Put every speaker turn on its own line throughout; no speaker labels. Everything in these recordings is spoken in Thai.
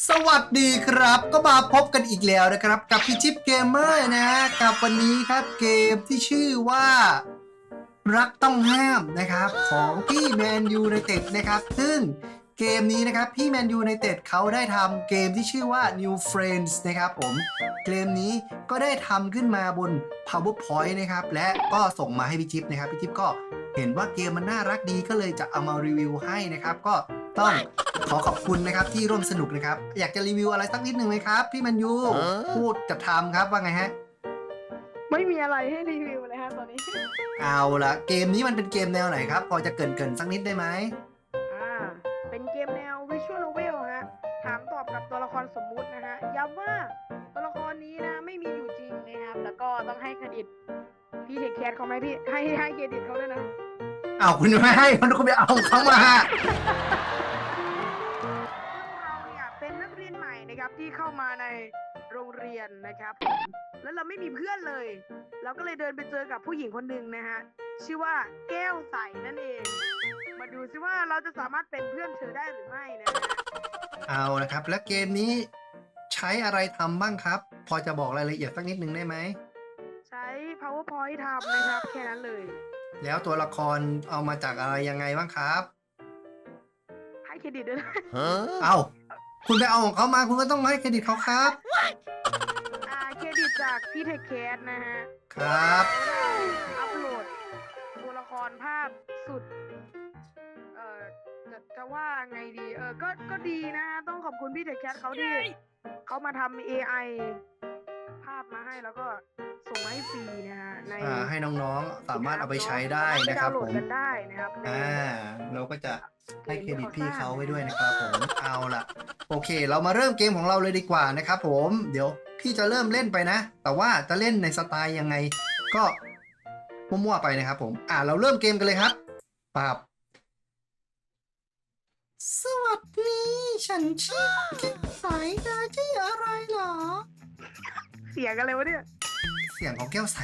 สวัสดีครับก็มาพบกันอีกแล้วนะครับกับพี่ชิปเกมเมอร์นะกับวันนี้ครับเกมที่ชื่อว่ารักต้องห้ามนะครับของพี่แมนยูไนเต็ดนะครับซึ่งเกมนี้นะครับพี่แมนยูไนเต็ดเขาได้ทำเกมที่ชื่อว่า New Friends นะครับผมเกมนี้ก็ได้ทำขึ้นมาบน PowerPoint นะครับและก็ส่งมาให้พี่จิ๊บนะครับพี่จิ๊บก็เห็นว่าเกมมันน่ารักดีก็เลยจะเอามารีวิวให้นะครับก็ต้องขอขอบคุณนะครับที่ร่วมสนุกนะครับอยากจะรีวิวอะไรสักนิดหนึ่งไหมครับพี่แมนยูพูดกับทำครับว่าไงฮะ
ไม่มีอะไรให้รีวิวเลยฮะตอนนี้
เอาละเกมนี้มันเป็นเกมแนวไหนครับพอจะเกริ่นสักนิดได้ไหม
เป็นเกมแนว Visual Novel ฮะถามตอบกับตัวละครสมมุตินะฮะย้ำว่าตัวละครนี้นะไม่มีอยู่จริงนะครับแล้วก็ต้องให้เครดิตพี่เทคแคสเขาไหมพี่ให้เครดิตเขาด้วยนะ
เอาคุณไม่ให้คุณไปเอาเขามา
เราเนี่ยเป็นนักเรียนใหม่นะครับที่เข้ามาในโรงเรียนนะครับแล้วเราไม่มีเพื่อนเลยเราก็เลยเดินไปเจอกับผู้หญิงคนหนึ่งนะฮะชื่อว่าแก้วใสนั่นเองมาดูซิว่าเราจะสามารถเป็นเพื่อนเธอได้หรือไม่นะฮะ
เอาละครับแล้วเกมนี้ใช้อะไรทำบ้างครับ พอจะบอกรายละเอียดสักนิดหนึ่งได้ไหม
ใช้ PowerPoint ทำนะครับแค่นั้นเลย
แล้วตัวละครเอามาจากอะไรยังไงบ้างครับ
ให้เครดิตด้วยนะ
เอาคุณไปเอาของเขามาคุณก็ต้องให้เครดิตเขาครับ
เครดิตจากพี่เทคแคสนะฮะ
ครับ
อัพโหลดตัวละครภาพสุดจะว่าไงดีก็ดีนะฮะต้องขอบคุณพี่เทคแคสเขาที่เขามาทำ AI ภาพมาให้แล้วก็ส่งมาให้ฟรีนะฮะใน
ให้น้องๆสามารถเอาไปใช้ได้นะครับผม
กันได้นะครับ
เราก็จะให้เครดิตพี่เขาไว้ด้วยนะครับผมเอาล่ะโอเค เรามาเริ่มเกมของเราเลยดีกว่านะครับผมเดี๋ยวพี่จะเริ่มเล่นไปนะแต่ว่าจะเล่นในสไตล์ยังไงก็มั่วๆไปนะครับผมเราเริ่มเกมกันเลยครับปั๊บสวัสดีฉันชื่อแก้วใสเธอชื่ออะไรเหรอ
เสียกันเลยวะเนี่ย
เสียงของแก้วใส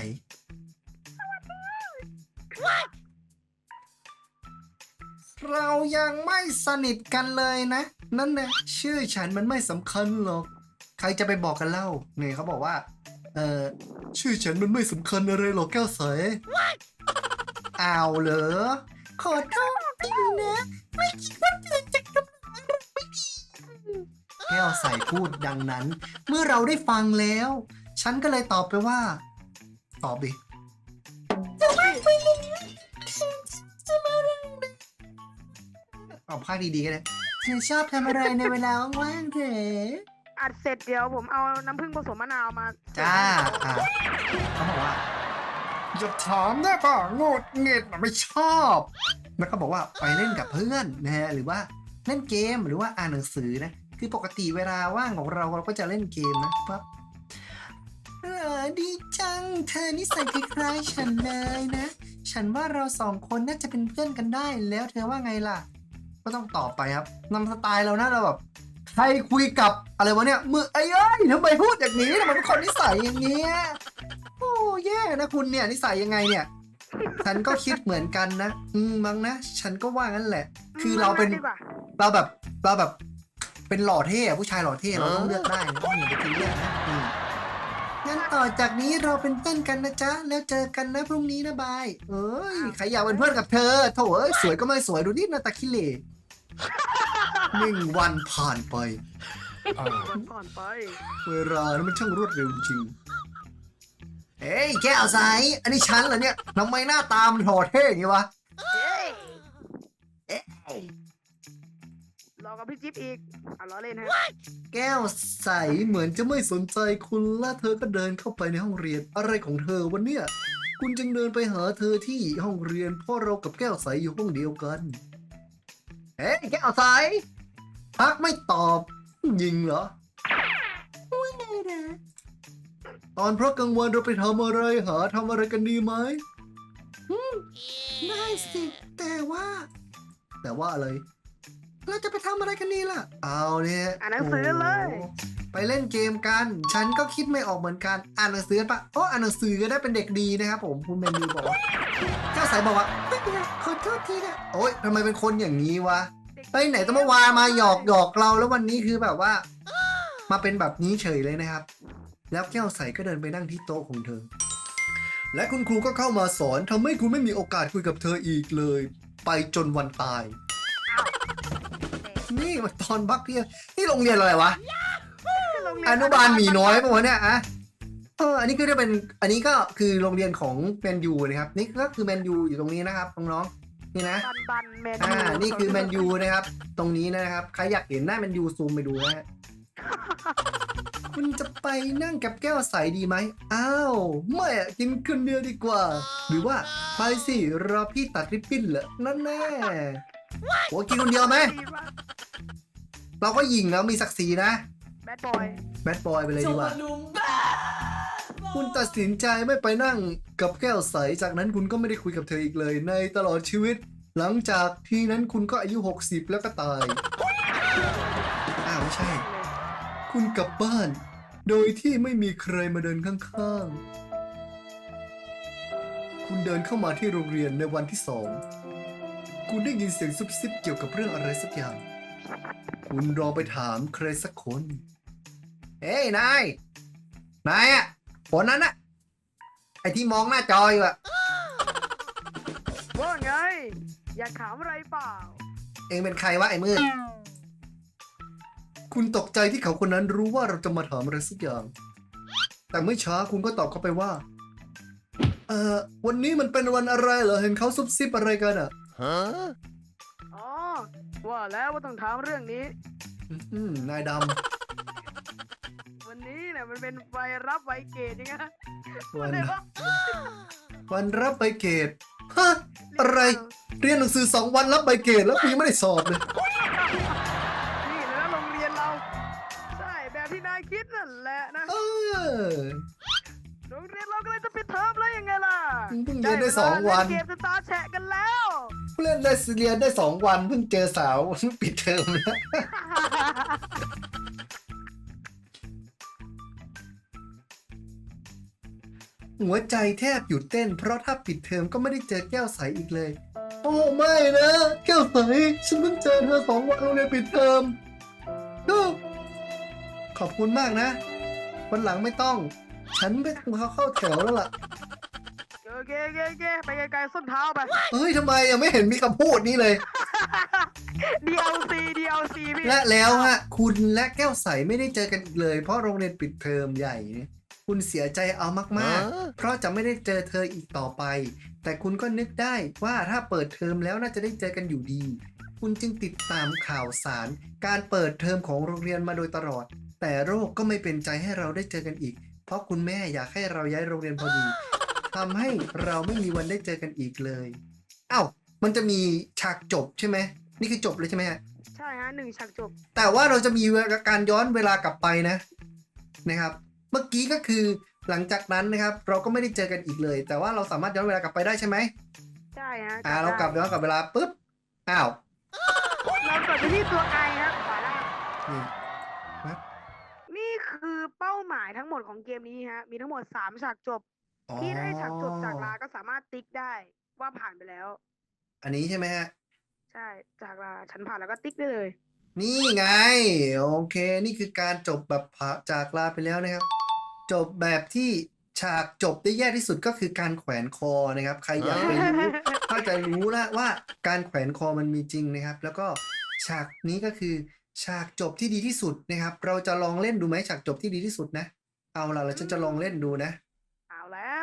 เรายังไม่สนิทกันเลยนะนั่นแหละชื่อฉันมันไม่สำคัญหรอกใครจะไปบอกกันเล่าเนี่ยเขาบอกว่าชื่อฉันมันไม่สำคัญอะไรหรอกแก้วใสเอาเหรอขอโทษทีนะไม่คิดว่าเธอจะกำลังไม่ดีแก้วใสพูดดังนั้นเมื่อเราได้ฟังแล้วฉันก็เลยตอบไปว่าตอบดิจะไม่ไปเลยจะมาอะไรนะเอาภาคดีๆกันเลยเธอชอบทำอะไรในเวลาว่างๆเถอะ
อัดเสร็จเดี๋ยวผมเอาน้ำผึ้งผสมมะนาวมา
จ้าเขาบอกว่าอย่าถามได้ป่ะโง่เงียไม่ชอบแล้วก็บอกว่าไปเล่นกับเพื่อนนะฮะหรือว่าเล่นเกมหรือว่าอ่านหนังสือนะคือปกติเวลาว่างของเราก็จะเล่นเกมนะครับดีจังเธอนิสัยคล้ายๆฉันเลยนะฉันว่าเราสองคนน่าจะเป็นเพื่อนกันได้แล้วเธอว่าไงล่ะก็ต้องตอบไปครับนำสไตล์เรานะเราแบบใครคุยกับอะไรวะเนี่ยมือไอ้เอ้ยทำไมพูดอย่างนี้ทำไมเป็นคนนิสัยอย่างเงี้ยโอ้แย่นะคุณเนี่ยนิสัยยังไงเนี่ยฉันก็คิดเหมือนกันนะมั้งนะฉันก็ว่างั้นแหละคือเราแบบเป็นหล่อเท่ผู้ชายหล่อเท่เราต้องเลือกได้นะอย่าไปคิดเยอะนะงั้นต่อจากนี้เราเป็นเพื่อนกันนะจ๊ะแล้วเจอกันนะพรุ่งนี้นะบายเอ้ยใครอยากเป็นเพื่อนกับเธอโถเอ้ยสวยก็ไม่สวยดูนี่หน้าตาขี้เหร่1 วันผ่านไปเวลานั้นมันช่างรวดเร็วจริงเฮ้ยแก้วใสอันนี้ฉันเหรอเนี่ยทำไมหน้าตามันหล่อเท่อย่างงี้วะ
รอกับพี่จิ๊บอีกล้อเล่นฮะ
แก้วใสเหมือนจะไม่สนใจคุณและเธอก็เดินเข้าไปในห้องเรียนอะไรของเธอวันเนี้ยคุณจึงเดินไปหาเธอที่ห้องเรียนเพราะเรากับแก้วใสอยู่ห้องเดียวกันเฮ้ยแก้วใสพักไม่ตอบยิงเหรอว่าไงนะตอนเพราะกลางวันเราไปทำอะไรทำอะไรกันดีไหมได้สิแต่ว่าอะไรเราจะไปทำอะไรกันนี่ล่ะเอาเนี่ย
อ่านหนังสือเลย
ไปเล่นเกมกันฉันก็คิดไม่ออกเหมือนกันอ่านหนังสือปะอ่านหนังสือก็ได้เป็นเด็กดีนะครับผมคุณเมนูบอกว่าเจ้าสายบอกว่าไม่เป็นไรขอโทษทีนะโอ๊ยทำไมเป็นคนอย่างนี้วะไปไหนต้องมาวามาหยอกเราแล้ววันนี้คือแบบว่ามาเป็นแบบนี้เฉยเลยนะครับ แล้วแก้วใสก็เดินไปนั่งที่โต๊ะของเธอ และคุณครูก็เข้ามาสอนทำให้คุณไม่มีโอกาสคุยกับเธออีกเลย ไปจนวันตาย นี่มันตอนพักเที่ยงนี่โรงเรียนอะไรวะ อนุบาลหมีน้อยปะวะเนี่ยอะอันนี้ก็จะเป็นอันนี้ก็คือโรงเรียนของแมนยูนะครับนี่ก็คือแมนยูอยู่ตรงนี้นะครับน้องๆนี่นะ
บันแมนยู
นี่คือแมนยูนะครับ ตรงนี้นะครับใครอยากเห็นหน้าแมนยูซูมไปดูนะฮะ คุณจะไปนั่งกับแก้วใสดีไหมอ้าวไม่อะกินคนเดียวดีกว่า หรือว่าไปสิรอพี่ตัดริบบิ้นเหรอนั่นแน่โอ้กินคนเดียวไหมเราก็หญิงแล้วมีศักดิ์ศรีนะ
แบดบอย
แบดบอยไปเลยดีกว่า คุณตัดสินใจไม่ไปนั่งกับแก้วใส จากนั้นคุณก็ไม่ได้คุยกับเธออีกเลย ในตลอดชีวิต หลังจากที่นั้นคุณก็อายุ 60 แล้วก็ตาย อ้าวไม่ใช่ คุณกลับบ้าน โดยที่ไม่มีใครมาเดินข้างๆ คุณเดินเข้ามาที่โรงเรียนในวันที่ 2 คุณได้ยินเสียงซุบซิบเกี่ยวกับเรื่องอะไรสักอย่าง คุณลองไปถามใครสักคน เฮ้ยนายอะคนนั้นอะไอที่มองหน้าจออยู่อะ
ว่าไง อยากถามอะไรเปล่า
เองเป็นใครวะไอ้มืด คุณตกใจที่เขาคนนั้นรู้ว่าเราจะมาถามอะไรสักอย่าง แต่ไม่ช้าคุณก็ตอบเข้าไปว่า วันนี้มันเป็นวันอะไรเหรอ เห็นเขาซุบซิบอะไรกันอะ
อ๋อ ว่าแล้วว่าต้องถามเรื่องนี้
นายด
วันนี้เนี่ยมันเป็นไวรับไวเกตยังไง
ำวันรับใบเกรดฮะอะไร เรียนหนังสือ2 วันรับใบเกรดแล้วกูยังไม่ได้สอบเลย
นี่เลยนะโรงเรียนเรา ใช่แบบที่นายคิดนั่นแหละนะ โรงเรียนเราก็เลยจะปิดเทอมแล้วยังไงล่ะ
เพิ่งเรียนได้2 วัน
เกมสตาร์แฉะกันแล้ว
เล่นได้เรียนได้2 วันเพิ่งเจอสาว ปิดเทอมแล้ว หัวใจแทบหยุดเต้นเพราะถ้าปิดเทอมก็ไม่ได้เจอแก้วใสอีกเลย โอ้ไม่นะแก้วใสฉันเพิ่งเจอเธอ2 วันโรงเรียนปิดเทอมขอบคุณมากนะวันหลังไม่ต้อง ฉันไม่ต้องเข้าแถวแล้วล่ะ
โอเคไปไกลๆส้นเท้าไป
เฮ้ยทำไมยังไม่เห็นมีคำพูดนี้เลย
DLC พี่
และแล้วฮะคุณและแก้วใสไม่ได้เจอกันอีกเลยเพราะโรงเรียนปิดเทอมใหญ่เนี่ยคุณเสียใจเอามากๆ เพราะจะไม่ได้เจอเธออีกต่อไป แต่คุณก็นึกได้ว่าถ้าเปิดเทอมแล้วน่าจะได้เจอกันอยู่ดี คุณจึงติดตามข่าวสาร การเปิดเทอมของโรงเรียนมาโดยตลอด แต่โรคก็ไม่เป็นใจให้เราได้เจอกันอีก เพราะคุณแม่อยากให้เราย้ายโรงเรียนพอดีทำให้เราไม่มีวันได้เจอกันอีกเลยอ้าวมันจะมีฉากจบใช่ไหมนี่คือจบเลยใช่ไหมฮะ
ใช่ฮะ1 ฉากจบ
แต่ว่าเราจะมีการย้อนเวลากลับไปนะครับ เมื่อกี้ก็คือหลังจากนั้นนะครับ เราก็ไม่ได้เจอกันอีกเลย แต่ว่าเราสามารถย้อนเวลากลับไปได้ใช่ไหม
ใช่ฮะ
เรากลับย้อนกลับเวลาปุ๊บอ้าว
เรากดไปที่ตัวไอครับขวาล่าง
นี่
นี่คือเป้าหมายทั้งหมดของเกมนี้ฮะ มีทั้งหมด3 ฉากจบ ที่ได้ฉากจบจากลาก็สามารถติ๊กได้ว่าผ่านไปแล้ว
อันนี้ใช่ไหมฮะ
ใช่ จากลาฉันผ่านแล้วก็ติ๊กได้เลย
นี่ไงโอเค นี่คือการจบแบบจากลาไปแล้วนะครับ จบแบบที่ฉากจบได้แย่ที่สุดก็คือการแขวนคอนะครับ ใครอยากไปรู้ ก็จะรู้แล้วว่าการแขวนคอมันมีจริงนะครับ แล้วก็ฉากนี้ก็คือฉากจบที่ดีที่สุดนะครับ เราจะลองเล่นดูไหมฉากจบที่ดีที่สุดนะ เอาล่ะเราจะลองเล่นดูนะ
เอาแล้ว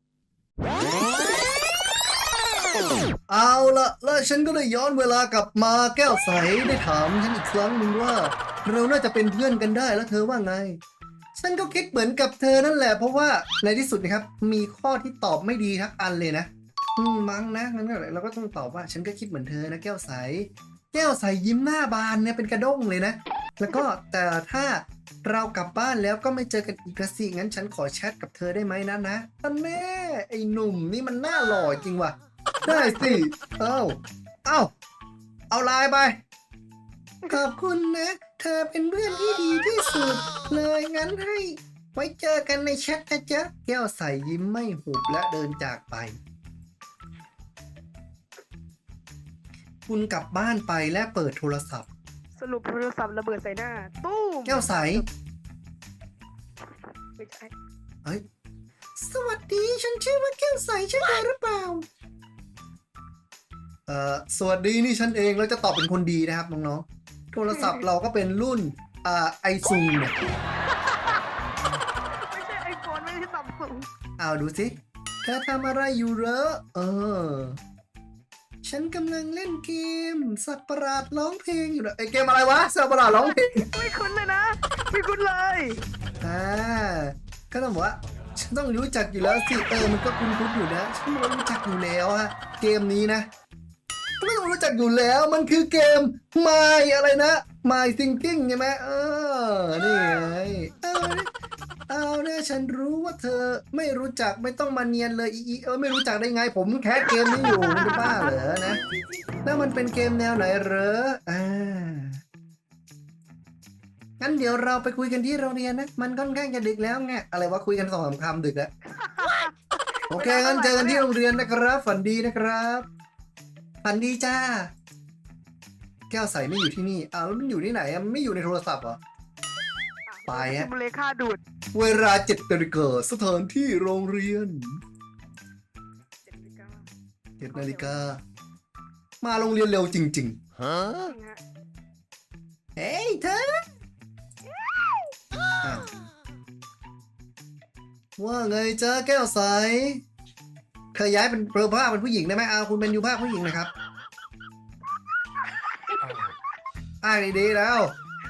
เอาละแล้วฉันก็ได้ย้อนเวลากลับมาแก้วใสได้ถามฉันอีกครั้งหนึ่งว่า เราน่าจะเป็นเพื่อนกันได้แล้วเธอว่าไง ฉันก็คิดเหมือนกับเธอนั่นแหละเพราะว่าในที่สุดนะครับมีข้อที่ตอบไม่ดีทั้งอันเลยนะมั้งนะงั้นก็เราก็ต้องตอบว่าฉันก็คิดเหมือนเธอนะแก้วใสแก้วใสยิ้มหน้าบานเนี่ยเป็นกระด้งเลยนะแล้วก็แต่ถ้าเรากลับบ้านแล้วก็ไม่เจอกันอีกละสิงั้นฉันขอแชทกับเธอได้ไหมนะท่านแม่ไอ้หนุ่มนี่มันน่าหล่อจริงว่ะได้สิเอาไลน์ไปขอบคุณนะเธอเป็นเพื่อนที่ดีที่สุดเลยงั้นให้ไว้เจอกันในแชทนะจ๊ะแก้วใสยิ้มไม่หุบและเดินจากไป คุณกลับบ้านไปและเปิดโทรศัพท์
สรุปโทรศัพท์ระเบิดใส่หน้า ตู้ม
แก้วใส
ไม่ใช่
เฮ้ยสวัสดีฉันชื่อว่าแก้วใสใช่ไหมหรือเปล่าสวัสดีนี่ฉันเองแล้วจะตอบเป็นคนดีนะครับน้องๆโทรศัพท์เราก็เป็นรุ่นไอซูเนี่ย
ไม่ใช่ไอโฟนไม่ใช่ซัมซุง
เอาดูสิเธอทำอะไรอยู่เหรอฉันกำลังเล่นเกมสัตว์ประหลาดร้องเพลงอยู่นะไอเกมอะไรวะสัตว์ประหลาดร้องเพลง
ไม่คุ้นเลยนะไม่คุ้นเลย
ก็ต้องบอกว่าฉันต้องรู้จักอยู่แล้วสิมันก็คุ้นๆอยู่นะฉันก็รู้จักอยู่แล้วฮะเกมนี้นะไม่ต้องรู้จักอยู่แล้วมันคือเกม My อะไรนะ My Thinking ใช่ไหมนี่ไงเอาเนี่ยฉันรู้ว่าเธอไม่รู้จักไม่ต้องมาเนียนเลยไม่รู้จักได้ไงผมแคสเกมนี้อยู่มันเป็นบ้าเหรอนะแล้วมันเป็นเกมแนวไหนเหรองั้นเดี๋ยวเราไปคุยกันที่โรงเรียนนะมันค่อนข้างจะดึกแล้วไงอะไรวะคุยกัน2-3 คำดึกแล้วโอเคงั้นเจอกันที่โรงเรียนนะครับฝันดีนะครับฝันดีจ้าแก้วใสไม่อยู่ที่นี่แล้วมันอยู่ที่ไหนมันไม่อยู่ในโทรศัพท์เหรอไปฮะ
ซิมูเลค่าดูด
เวลา7 นาฬิกาสถานที่โรงเรียน7 นาฬิกามาโรงเรียนเร็วจริงๆเฮ้ยเธอว่าไงจ้าแก้วใสเธอย้ายเป็นเปลือผ้าเป็นผู้หญิงได้ไหมคุณเป็นยูภาคผู้หญิงนะครับดีๆแล้ว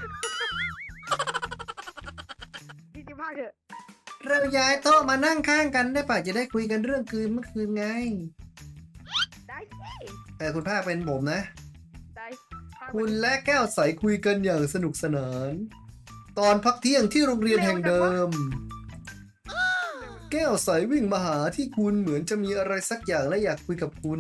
พี่จิภาคเถอะ
เราย้ายโต๊ะมานั่งข้างกันได้ป่ะจะได้คุยกันเรื่องคืนเมื่อคืนไง
ได้สิ
คุณภาคเป็นผมนะ
ได้ภา
คุณและแก้วใสคุยกันอย่างสนุกสนาน ตอนพักเที่ยงที่โรงเรียนแห่งเดิม แก้วใสวิ่งมาหาที่คุณเหมือนจะมีอะไรสักอย่างและอยากคุยกับคุณ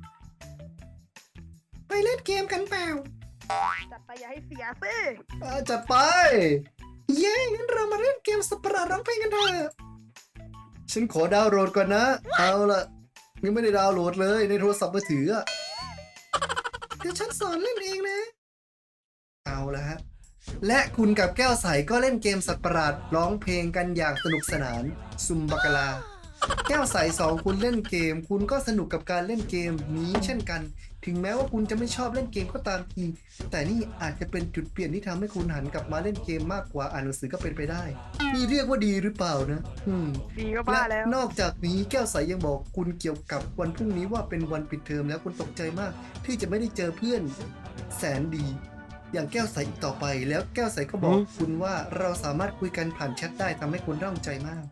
ไปเล่นเกมกันเปล่า
จัดไปอย่าให้เสียสิ
จัดไป เย้งั้นเรามาเล่นเกมสัตว์ประหลาดร้องเพลงกันเถอะฉันขอดาวน์โหลดก่อนนะ เอาล่ะยังไม่ได้ดาวน์โหลดเลยในโทรศัพท์มือถือเดี๋ยวฉันสอนเล่นเองนะ เอาละฮะและคุณกับแก้วใสก็เล่นเกมสัตว์ประหลาดร้องเพลงกันอย่างสนุกสนานซุมบักกะลาแก้วใส2คุณเล่นเกมคุณก็สนุกกับการเล่นเกมนี้เช่นกันถึงแม้ว่าคุณจะไม่ชอบเล่นเกมก็ตามทีแต่นี่อาจจะเป็นจุดเปลี่ยนที่ทำให้คุณหันกลับมาเล่นเกมมากกว่าอ่านหนังสือก็เป็นไปได้นี่เรียกว่าดีหรือเปล่านะ
ดีก็บ้าแล้ว
นอกจากนี้แก้วใสยังบอกคุณเกี่ยวกับวันพรุ่งนี้ว่าเป็นวันปิดเทอมแล้วคุณตกใจมากที่จะไม่ได้เจอเพื่อนแสนดีอย่างแก้วใสอีกต่อไปแล้วแก้วใสก็บอกคุณว่าเราสามารถคุยกันผ่านแชทได้ทำให้คุณร่องใจมาก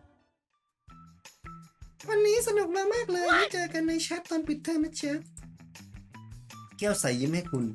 วันนี้สนุกมากๆเลยได้เจอกันในแชทตอนปิดเทอมนะเจ๊แก้วใสยิ้มให้คุณ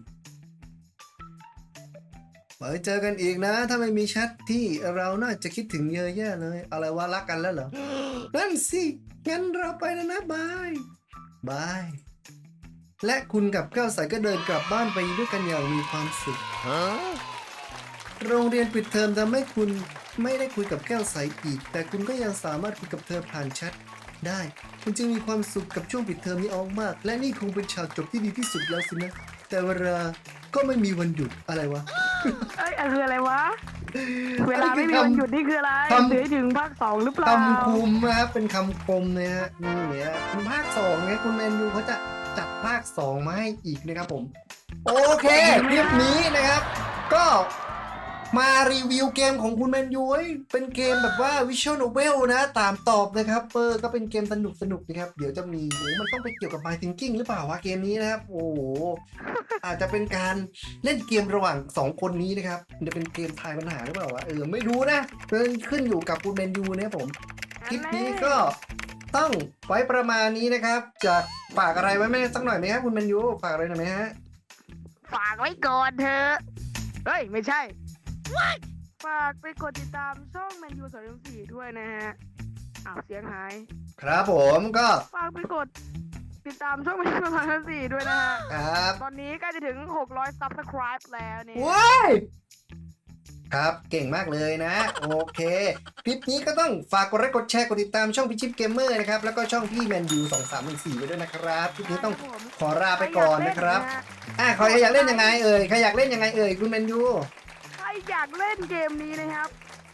ไว้เจอกันอีกนะถ้าไม่มีแชทที่เราน่าจะคิดถึงเยอะแยะเลยอะไรว่ารักกันแล้วเหรอนั่นสิงั้นเราไปแล้วนะบายบายและคุณกับแก้วใสก็เดินกลับบ้านไปด้วยกันอย่างมีความสุขโรงเรียนปิดเทอมทำให้คุณไม่ได้คุยกับแก้วใสอีกแต่คุณก็ยังสามารถคุยกับเธอผ่านแชทได้คุณจึงมีความสุขกับช่วงปิดเทอมนี้มากและนี่คงเป็นฉากจบที่ดีที่สุดแล้วสินะแต่เวลาก็ไม่มีวันหยุดอะไรวะ
คืออะไรวะ เวลาไม่มีวันหยุดนี่คืออะไรเหลือถึงภาค2หรือเปล่า
คำคมนะครับเป็นคำคมนะฮะนี่เนี่ยคุณภาค2เนี่ยคุณแมนยูเขาจะจัดภาค2มาให้อีกนะครับผมโอเคคลิปนี้นะครับก็มารีวิวเกมของคุณแมนยูเป็นเกมแบบว่าวิชวลโนเวลนะตามตอบนะครับก็เป็นเกมสนุกนะครับเดี๋ยวจะมีมันต้องไปเกี่ยวกับ My Thinking หรือเปล่าวะเกมนี้นะครับโอ้โหอาจจะเป็นการเล่นเกมระหว่าง2คนนี้นะครับจะเป็นเกมทายปัญหาหรือเปล่าวะไม่รู้นะขึ้นอยู่กับคุณแมนยูนะครับผมคลิปนี้ก็ต้องไว้ประมาณนี้นะครับจะฝากอะไรไว้ไหมสักหน่อยไหมครับคุณแมนยูฝากอะไรหน่อยไหมฮะ
ฝากไว้ก่อนเถอะเฮ้ยไม่ใช่ฝากไปกดติดตามช่องแมนยู204ด้วยนะฮะเสียงหาย
ครับผมก็
ฝากไปกดติดตามช่องแมนยู204ด้วยนะฮะ
ครับ
ตอนนี้ใกล้จะถึง600 subscribe แล้วเนี่ย
ว้ายครับเก่งมากเลยนะโอเคคลิปนี้ก็ต้องฝากกดไลค์กดแชร์กดติดตามช่องพิชิปเกมเมอร์นะครับแล้วก็ช่องพี่แมนยู2314ไว้ด้วยนะครับคลิปนี้ต้องขอลาไปก่อนนะครับใครอยากเล่นยังไงใครอยากเล่นยังไงคุณแมนยู
ใครอยากเล่นเกมนี้นะครับ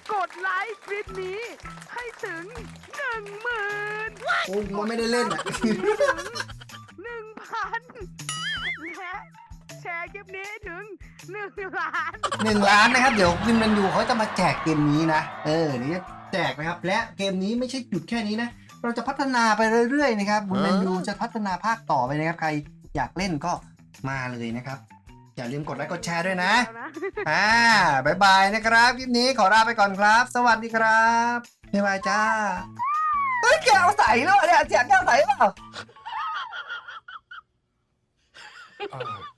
กดไลค์คลิปนี้ให้ถึง 10,000
โอ้มันไม่ได้เล่นอ่ะ
ถึง 1,000 และแชร์คลิปนี้ให้ถึง 1 ล้าน
1 ล้านนะครับ เดี๋ยววินแมนยูเขาจะมาแจกเกมนี้นะนี่แจกนะครับ และเกมนี้ไม่ใช่หยุดแค่นี้นะ เราจะพัฒนาไปเรื่อยๆนะครับวินแมนยูจะพัฒนาภาคต่อไปนะครับ ใครอยากเล่นก็มาเลยนะครับ อย่าลืมกดไลค์กดแชร์ด้วยนะ บ๊ายบายนะครับคลิปนี้ขอลาไปก่อนครับ สวัสดีครับบ๊ายบายจ้าเฮ้ยแก้วใสแล้วเนี่ยเสียงแก้วใสเปล่า